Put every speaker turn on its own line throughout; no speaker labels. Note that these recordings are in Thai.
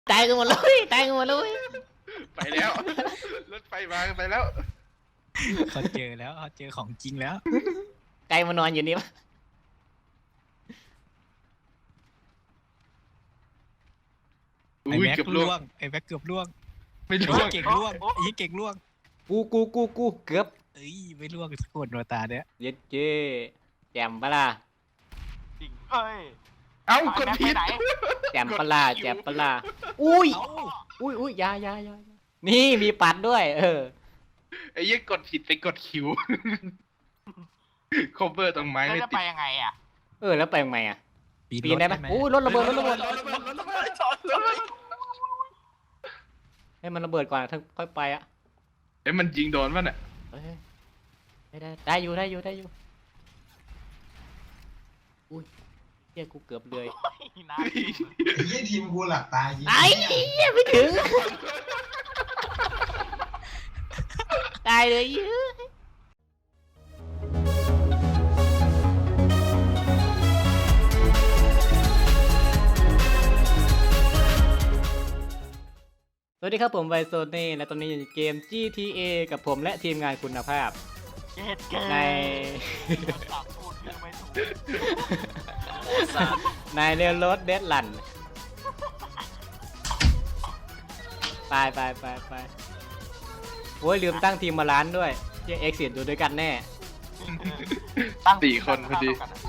ตายกันหมดเลยตายกันหมดเลย
ไปแล้วรถไฟมาไปแล้ว
เขาเจอแล้วเขาเจอของจริงแล้ว
ไกลมานอนอยู่นี่ปะ
ไอ้
อุ้ย
แม็ก
เกือบล่
ล่
ว
ว
ง
งไอ้แม็กเกือบล่วง
ไม่
ไอ้
ล่วง
เก่งล่วงไอ้เก่งล่วง
กูเกือบ
เอ้ยไม่ล่วงสักคนโนตาเนี่ย
เย็ดเจ้แจมปะล่ะ
จริงเฮ้ย
เอ้ากดผิด
ไปไหน
แจมปะล่ะแจมปะล่ะอุ้ย
เอ้า
อุ้ยอยานี่มีปัดด้วย
ไอ้ยี่กดผิดไปกดคิว cover ตรงไม้
แล้ว
ไม่
จะ
ติ
ไป
ด
ยังไงอ่ะ
แล้วไปยังไงอ่ะปีนได้ไหม
หม
อู้รถระเบิดรถระเบิด
รถระเบิด
ให้มันระเบิดก่อนถึงค่อยไปอ่ะ
เอ้ยมันยิงโดนป่ะเนี่ย
เฮ้ยได้อยู่อุ้ยเฮียกูเกือบเลย
น้
ยี่ทีมกูหลับตายิง
ไอ้เหี้ยไม่ถึงตายเลยเยอะสวัสดีครับผมไวโซนี่และตอนนี้อยู่ในเกม GTA กับผมและทีมงานคุณภาพ
ำเจ็ดเกิน
ใน
ตัดพูดชื่อไม่ถูก
ในเรลโรดเดดลันไปโอ้ยลืมตั้งทีมมาล้านด้วยเจ๊เอ็กซ์ดูด้วยกันแน่
ตั้ง
4 คนพอดี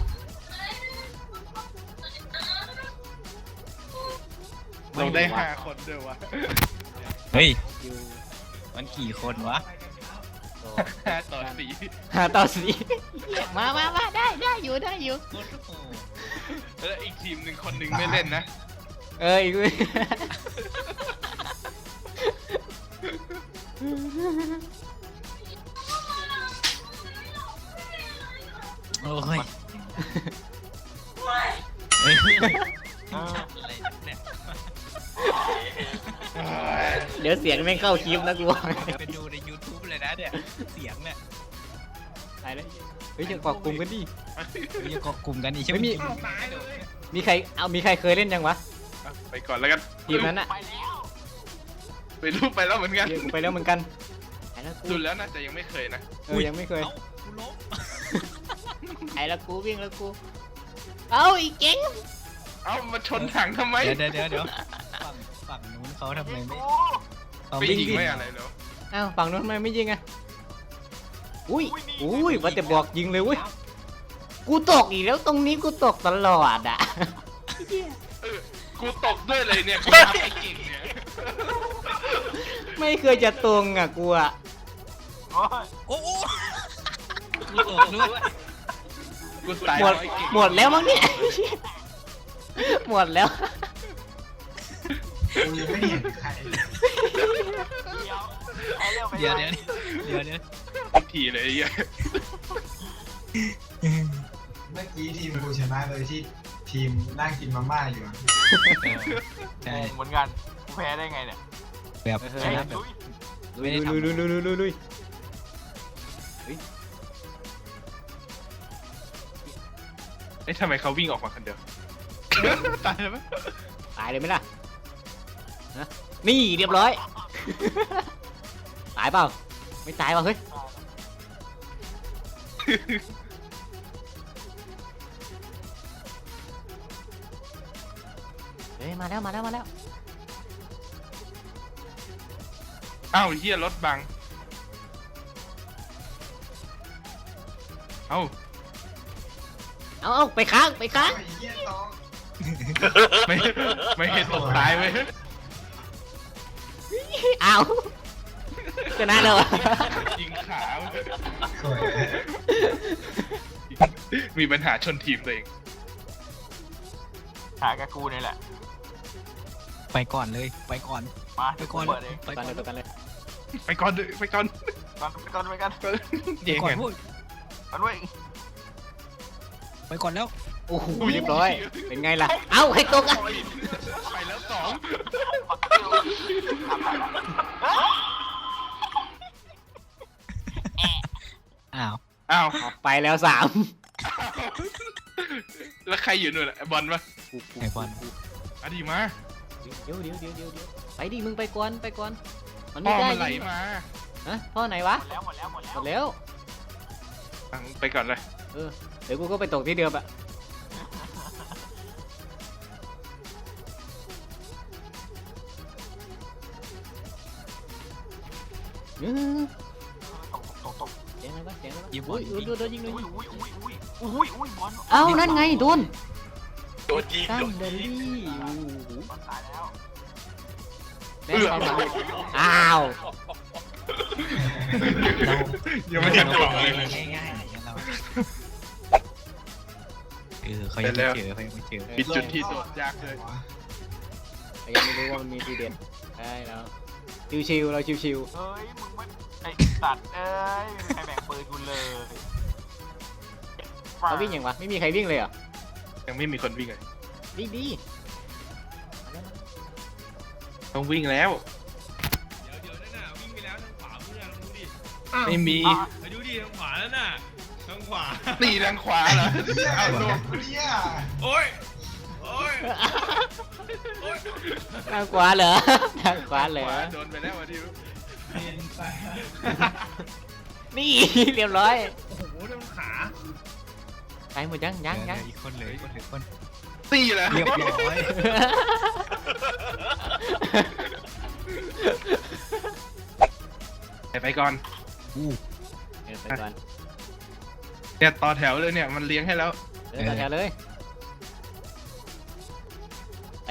เราได้ 5 คนด้วยวะ
เฮ้ย
อยู่
มันกี่คนวะ
5 ต่อ
5 ต่อ 4มาได้อยู่
โคตรโหด
4แล้วอีกทีมหนึ่งคนหนึ่งไม่เล่นนะ
อีก
โอ้ยเฮ้ยอะไรเนี่ย
เดี๋ยวเสียงไม่เข้าคลิปนะกูบอก
ไปดูใน YouTube เลยนะเนี่ยเสียงเนี่ย
ตายแล้วเฮ้ยจะเกาะกลุ่มกันดิ
มีเกาะกลุ่มกันอีกใช่ไหม
ไม่มี มีใครเคยเล่นยังวะ
ไปก่อนแล้วกัน
ทีมนั้นอะ
ไปแล้ว
ไปรูปไปแล้วเหมือนกัน
เดี๋ยวกูไปแล้วเหมือนกันไอ้แล้วกู
ดูแล้วน่าจะยังไม่เคยนะ
ยังไม่เคย
เอ้ากูล้ม
ไอ้แล้วกูวิ่งแล้วกูเอาอีกเก่ง
เอ้ามาชนถังทำไม
เดี๋ยวฝั่งนู้นเขาทำไม
ยิง
ไม่
กู
เขา
ไม่
ไม่
ยิง
ยิง
ไม่อะไรเหรอ
อ้าวฝั่งนู้นทำไมไม่ยิงอะอุ้ยว่าแต่บอกยิงเลยเว้ยกูตกอีกแล้วตรงนี้กูตกตลอดอะ
กูตกด้วยเลยเนี่ยกูทำไอ้เก่งเนี่ย
ไม่เคยจะตรงอะกูอะ
โอ้ย
โอ้โหกูตกด้วย
กูตาย
หมด
เพราะไอ้เก่ง
หมดแล้วมั้งเนี่ย หมดแล้ว
กูยังไม่เห็นใคร
เดี๋ยวไป
เดี๋ยว
ทุกทีเลยไอ้เหี้ย
เมื่อกี้ทีมกูชนะเลยที่ทีมนั่งกินมาม่าอยู่อะ
ใช่
งงเหมือนกันกูแพ้ได้ไงเนี่ย
แบบ
เออ
ชนะแบบ
ลุย
ไม่ได้ทำ
ลุย
เอ้ยทำไมเขาวิ่งออกมาคนเดียวตายแล้วไหม
ตายเลยไหมล่ะนะนี่เรียบร้อย ตายเปล่าไม่ตายเปล่าเฮ้ยเฮ้ยมาแล้ว
อ้าวเฮียรถบังเอ้า
เอาไปค้าง
ไอ้เหี้ยตอง
ไม่เห็นตกตายไหม
เอาชนะเลย
ยิงขา
สวย
มีปัญหาชนทีมตัวเอง
หากับกูนี่แหละ
ไปก่อนเลยไปก่อน
มา
ไปก่อน
เปิดเอง
ไป
ไป
ก่อน
กันเลย
ไปก่อนเลยไปก่อน
ไปกัน
เก่ง
ก่อน
ไง
พูด
มันเว้ย
ไปก่อนแล้ว
โอ้โหเรียบร้อยเป็นไงล่ะเอ้าให้ตกอ่ะ
ไปแล้ว2
อ้าว
อ้าว
ไปแล้ว3
แล้วใครอยู่นู่นล่ะไอ้บอลปะ
ไอ้บอล
อ่ะดีมา
เดี๋ยวไปดิมึงไปก่อนมัน
พ่
ไม่
อ
ได้
มันไหลมา
ฮะพ่อไหนวะ
หมดแล้ว
หมดแล้ว
ไปก่อนเลย
เดี๋ยวกูก็ไปตกที่เดิมอะเออ
ตก
เสียงอะไรวะเสียงอะไรวะ
ยิงบอ
อุ้
ล
ยโดนยิง
อุ้ยบอล
เอ้านั่นไงโดน
โดนยิง
ตั้ง
โดน
เด
ยิง
ลี่
บอลตายแล้ว
แม่งไปมาอ้าว
ยังไม่เห็นตัวเลย
ง่ายๆอย่างเราเขายังไม่เจอเขายังไม่เจอ
ปิดจุดที่โดดยากเลย
ยังไม่รู้ว่ามันมีทีเด็ดได้แล้วชิวๆเราชิว
เอ้ยมึงไม่ไอ้สัตว์เอ้ยไม่มีใครแบ่งปืนกูเลย
ๆเขาวิ่งยังวะไม่มีใครวิ่งเลยเหรอ
ยังไม่มีคนวิ่งเลย
วิ่งดี
ต้องวิ่งแล้ว
เดี๋ยวนั่นน่ะวิ่งไปแล้วทางขวามือลองดูดิ
ไม่มี
ไปดูดิทางขวาแล้วน่ะทางขวา
ตีทางขวาเหรอเอาลง
เนี่ย
โอ้ยโอ้ย
ทางขวาเหรอทางขวาเหรอ
โดนไปแล้วอ่ะดิว
นี่ เรียบร้อย
โอ้โหทางขา
ไปหมดยัง
อีกคนเลยคนเหลือคน
ตีเลย
เรียบร้อย
ไปก่อน
ไปก่อน
เนี่ยต่อแถวเลยเนี่ยมันเลี้ยงให้แล้ว
เดินต่อแถวเลยไป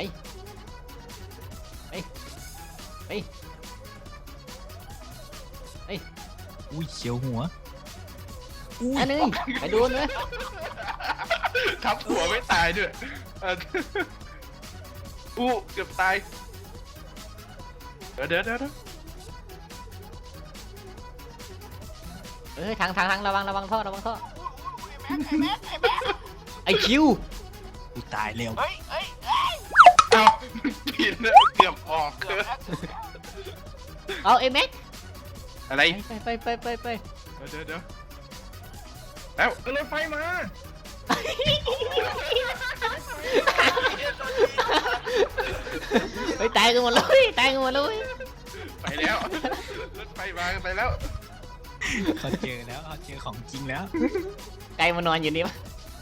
อุ้ยเขียวหัว
อันนึงไปโดนเลย
ทับหัวไม่ตายด้วยเอออู้เกือบตายเดี๋ยว
ทางระวังท่อไอคิว
กูตายเร็ว
เฮ้ย
เอ้าผิดนะเกือบออก
เกือบแล้ว
เอาเอ็มเอ็ก
อะไร
ไป
เดี๋ยวแล้วรถไฟมา
ไปตายกันหมดเลย
ไปแล้วรถไฟมาไปแล้ว
เขาเจอแล้วเขาเจอของจริงแล้ว
ไกลมานอนอยู่นี่ปะ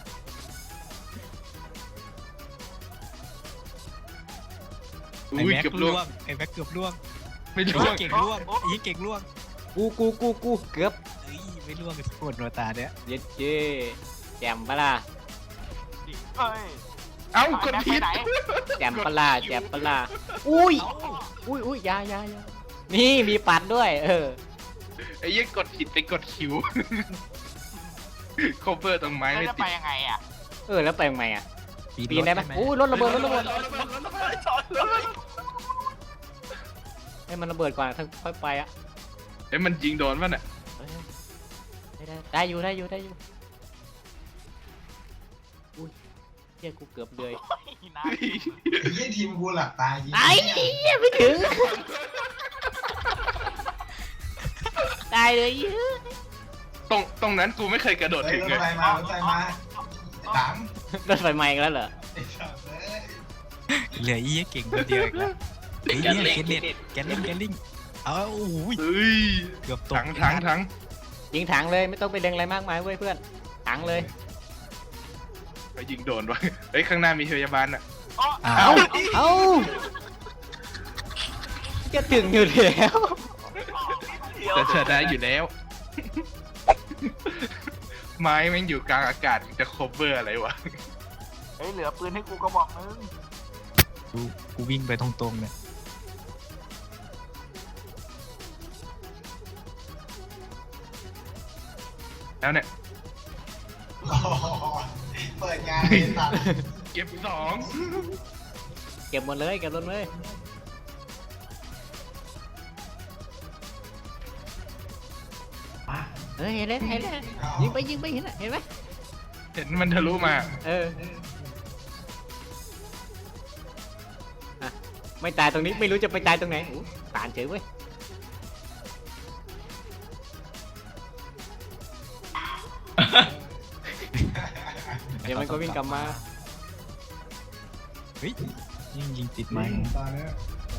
ไอ้
อุ้ย
แม็ก
เกือบ
ล่
ล่ว
ว
ง
งไอ้แม็กเกือบล่วง
ไม่
ไอ้
ล่วง
เก่งล่วงไอ้เก่งล่วง
กูเกือบ
เอ้ยไม่ล่วงกันปวดหัวตาเนี่ย
เย็ดเจ้แจมปะล่ะ
เฮ้ย
เอ้ากดผิด
ไหน
แจมปะล่ะอุ้ยยานี่มีปัดด้วย
ไอ้ยี่กดผิดไปกดคิวโคเวอร์ตรงไม้
แล้ว
ไม่
จะ
ติ
ไป
ด
ยังไงอ่ะ
แล้วไปยังไงอ่ะปีนได้ไหมอู้รถระเบิดให้มันระเบิดก่อนค่อยไปอ่ะ
เอ้ยมันยิงโดนป่ะเนี่ย
ได้อยู่อุ้ยเฮียกูเกือบเลย
น้
ไอ้เหี้ยทีมกูหลับตายยิง
ไอ้เหี้ยไม่ถึงตายเลย
ตรงนั้นกูไม่เคยกระโดด
เฮ้ย
ถึง
รถ
เลย
ไฟมารถไฟมาตัง
รถไฟไหม้กันแล้วเหรอ
ไอ้สัตว์เอ้ย
เหลือไอ้เก่งคนเดียวอีกแล้วไอ้เนี่ยแกลลิงเอาโอ้โห
เฮ้ย
เกือบตก
ถัง
ยิงถังเลยไม่ต้องไปเล็งอะไรมากมายเว้ยเพื่อนถังเลย
ไปยิงโดนวะเฮ้ยข้างหน้ามีพยาบาลอ่ะ
อ้า
เอ้าจะถึงอยู่แล้ว
จะเชิดได้อยู่แล้ว ไม้แม่งอยู่กลางอากาศจะโคเวอร์อะไรวะ
เฮ้ยเหลือปืนให้กูกระบอกนึง
กูวิ่งไปตรงๆเนี่ย
แล้วเนี่ย
โอ้โหเปิดงานเลยสัตว์
เก็บสอง
เก็บหมดเลยเก็บรถเลยเฮ้ยเห็นเลยยิงไปเห็นไหม
เห็นมันทะลุมา
ไม่ตายตรงนี้ไม่รู้จะไปตายตรงไหนตานเฉยเว้ยเดี๋ยวมันก็วิ่งกลับมา
เฮ้ยยิงติดไม้
ตอนนี้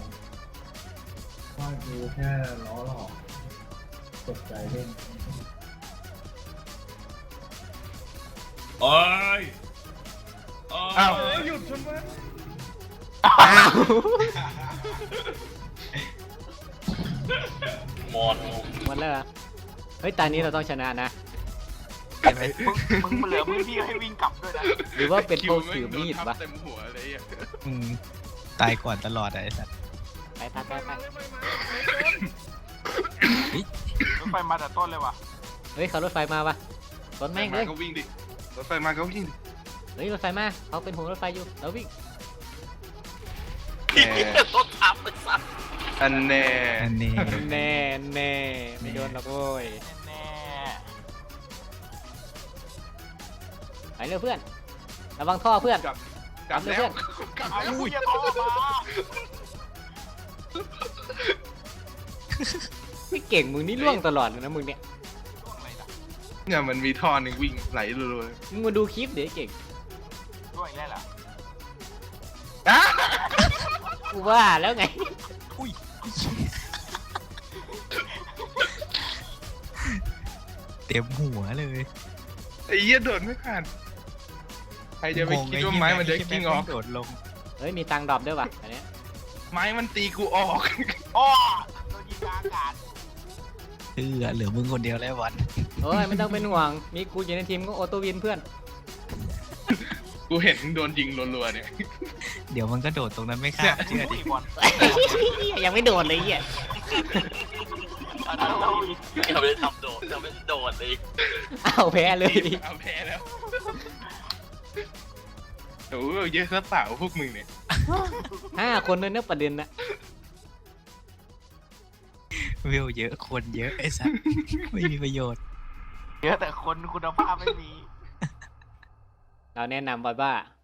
ว่าดูแค่ล้อหลอกตกใจเล่น
โอ้ยโอ้
อ้าว
ยหยุดทำไม
อ้าว
มอน
หมดแล้วเหรอเฮ้ยตอนนี้เราต้องชนะนะ
ใช่ไหม
มึงเหลือพื้นที่ให้วิ่งกลับด้วยนะ
หรือว่าเป็นเพราะถือมีด
คิว
วะ
แงโนทับเต็มหัวเลยอ่ะ
อืมตายก่อนตลอดอะไอ้สัส
ไปทัดไป
มาเลยไปมา
รถไฟมาแต่ต้นเลยว่ะ
เฮ้ยเขารถไฟมาวะรถแม่งเลย
ก็วิ่งดิรถไฟมาก็วิ่งดิ
เฮ้ยรถไฟมาเขาเป็นหัวรถไฟอยู่แล้ววิ่ง
รถทับไปสัตว์อันแน่
อันนี้
แน่แน่ไม่โดนหรอกโว้ย
แน่
ไปเร็วเพื่อนระวังท่อเพื่อน
กลับแล้วกลับ
ๆเอา
แล้ว
อุ้ยอย่าโทรมา
ไม่เก่งมึงนี่ล่วงตลอดเลยนะมึงเนี่ย
ล่วงอะไรล่ะ
เนี่ยมันมีท่อหนึ่งวิ่งไหลรัว
มึงมาดูคลิปเดี๋ยวไอ้เก่ง
ล่วงอีกแล้วเหรอ
ๆอ่ะ
กูว่าแล้วไง
อุ้ยเต็มหัวเลย
ไอ้เหี้ยโดดไม่ผ่านใครจะไปคิดว่าไม้มันจะกิ้งออก
โดดลง
เฮ้ยมีตังค์ดรอปด้วยวะอันเนี้ย
ไม้มันตีกูออก
โอ้โดนยิงกลางอากาศ
เหลือมึงคนเดียวแล้ววัน
โอ้ยไม่ต้องเป็นห่วงมีกูอยู่ในทีมก็ออโต้วินเพื่อน
กูเห็นโดนยิงรัวๆเนี่ย
เดี๋ยวมันก็โดดตรงนั้นไม่ข้ามเชื่อดิ
บอล
ยังไม่โดนเลยไอ้เหี้ย
ยังไม่ได้ทำโดดยังไม่ได้โดดเลย
อ้าวแพ้เลย
เอาแพ้แล้วโอ้โหเยอะซะเปล่าพวกมึงเนี่ย
5 คนเลยนะประเด็นนะ
วิวเยอะคนเยอะไอ้สัสไม่มีประโยชน์
เยอะแต่คนคุณภาพไม่มี
เราแนะนำว่า